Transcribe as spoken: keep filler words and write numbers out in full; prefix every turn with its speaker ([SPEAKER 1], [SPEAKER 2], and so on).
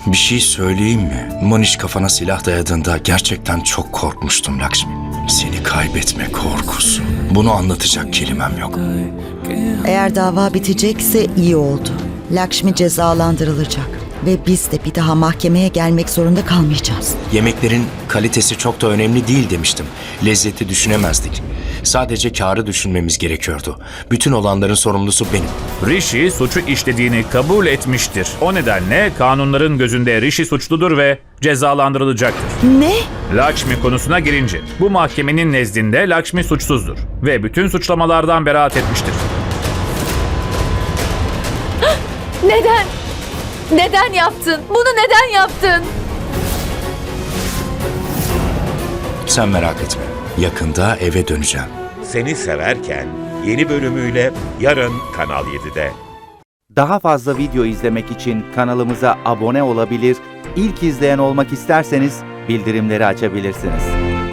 [SPEAKER 1] Bir şey söyleyeyim mi? Manish kafana silah dayadığında gerçekten çok korkmuştum Lakshmi. Seni kaybetme korkusu. Bunu anlatacak kelimem yok.
[SPEAKER 2] Eğer dava bitecekse iyi oldu. Lakshmi cezalandırılacak ve biz de bir daha mahkemeye gelmek zorunda kalmayacağız.
[SPEAKER 1] Yemeklerin kalitesi çok da önemli değil demiştim. Lezzeti düşünemezdik. Sadece kârı düşünmemiz gerekiyordu. Bütün olanların sorumlusu benim.
[SPEAKER 3] Rishi suçu işlediğini kabul etmiştir. O nedenle kanunların gözünde Rishi suçludur ve cezalandırılacaktır.
[SPEAKER 2] Ne?
[SPEAKER 3] Lakshmi konusuna girince, bu mahkemenin nezdinde Lakshmi suçsuzdur ve bütün suçlamalardan beraat etmiştir.
[SPEAKER 4] Neden? Neden yaptın? Bunu neden yaptın?
[SPEAKER 1] Sen merak etme. Yakında eve döneceğim.
[SPEAKER 5] Seni Severken yeni bölümüyle yarın Kanal yedide.
[SPEAKER 6] Daha fazla video izlemek için kanalımıza abone olabilir, ilk izleyen olmak isterseniz bildirimleri açabilirsiniz.